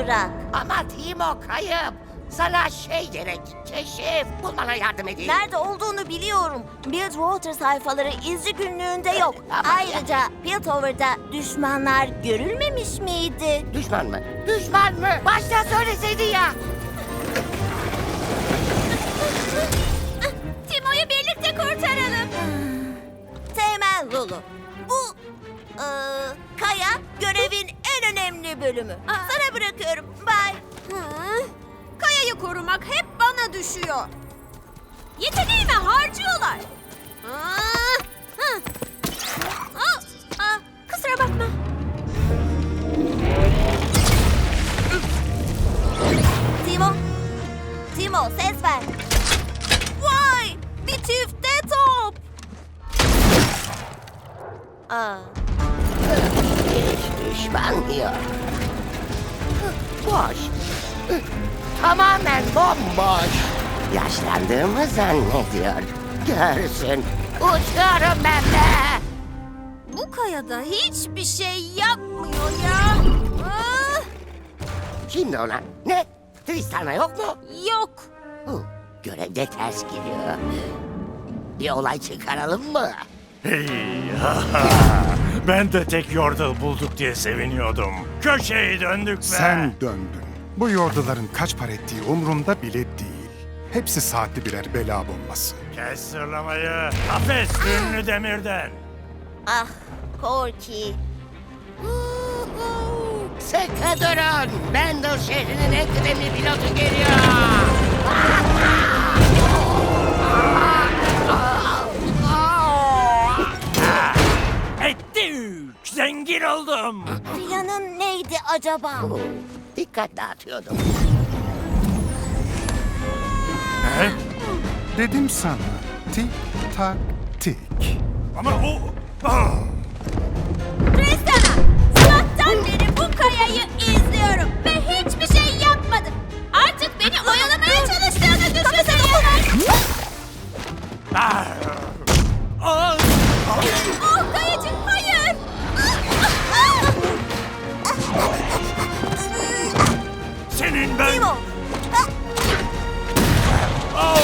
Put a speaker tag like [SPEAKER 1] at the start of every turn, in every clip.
[SPEAKER 1] bırak.
[SPEAKER 2] Ama Timo kayıp. Sana şey gerek, keşif. Bulmana yardım edeyim.
[SPEAKER 1] Nerede olduğunu biliyorum. Bilgewater sayfaları izci günlüğünde yok.
[SPEAKER 2] Ama
[SPEAKER 1] Ayrıca Piltover'da düşmanlar görülmemiş miydi?
[SPEAKER 2] Düşman mı? Düşman mı? Başta söyleseydin ya.
[SPEAKER 1] Timo'yu birlikte kurtaralım. Teğmen Lulu. Bu Kaya görevin en önemli bölümü. Sana bırakıyorum. Bye.
[SPEAKER 3] Kaya'yı korumak hep bana düşüyor. Yeteneğimi harcıyorlar. Kusura bakma.
[SPEAKER 1] Timo ses ver. Vay! Bir çifte top.
[SPEAKER 2] Hiç düşman yok. Boş. Tamamen bomboş. Yaşlandığımı zannediyor. Görsün. Uçuyorum ben de.
[SPEAKER 3] Bu Kaya'da hiçbir şey yapmıyor ya.
[SPEAKER 2] Şimdi ona ne? Tristana yok mu?
[SPEAKER 3] Yok.
[SPEAKER 2] Görevde ters gidiyor. Bir olay çıkaralım mı?
[SPEAKER 4] Hey, ben de tek yordle bulduk diye seviniyordum. Köşeyi döndük be.
[SPEAKER 5] Sen döndün. Bu yorduların kaç para ettiği umurumda bile değil. Hepsi saatli birer bela bombası.
[SPEAKER 4] Kes sırlamayı. Kafes ünlü demirden.
[SPEAKER 1] Ah, Corky.
[SPEAKER 2] Sıkı durun. Bendel şehrinin en kıdemli pilotu geliyor.
[SPEAKER 4] Ettik. Zengin oldum.
[SPEAKER 1] Planın neydi acaba?
[SPEAKER 2] Dikkat dağıtıyordum.
[SPEAKER 5] Dedim sana. Tik tak tik.
[SPEAKER 4] Ama o... Ah!
[SPEAKER 3] Tristana, sabahtan beri bu Kaya'yı izliyorum ve hiçbir şey yapmadım. Artık beni oyalamaya çalıştığını düşünüyorum.
[SPEAKER 4] Ah! Ah!
[SPEAKER 3] Oh Kayacığım, hayır.
[SPEAKER 4] Senin ben...
[SPEAKER 1] Timo.
[SPEAKER 4] Oh!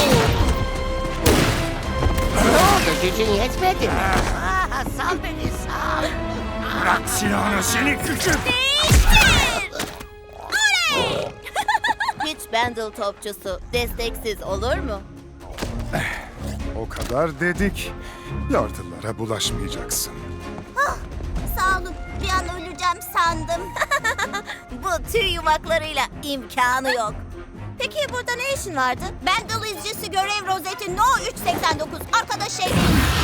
[SPEAKER 2] Ne oldu? Gücün yetmedi mi? Sal beni sal.
[SPEAKER 4] Bırak silahını seni küçük.
[SPEAKER 1] Hiç Bendel topçusu desteksiz olur mu?
[SPEAKER 5] O kadar dedik. Yordulara bulaşmayacaksın.
[SPEAKER 1] Sağ olun. Bir an öleceğim sandım. Bu tüy yumaklarıyla imkanı yok. Peki burada ne işin vardı? Bendel izcisi görev rozeti No 389. Arkadaş şey...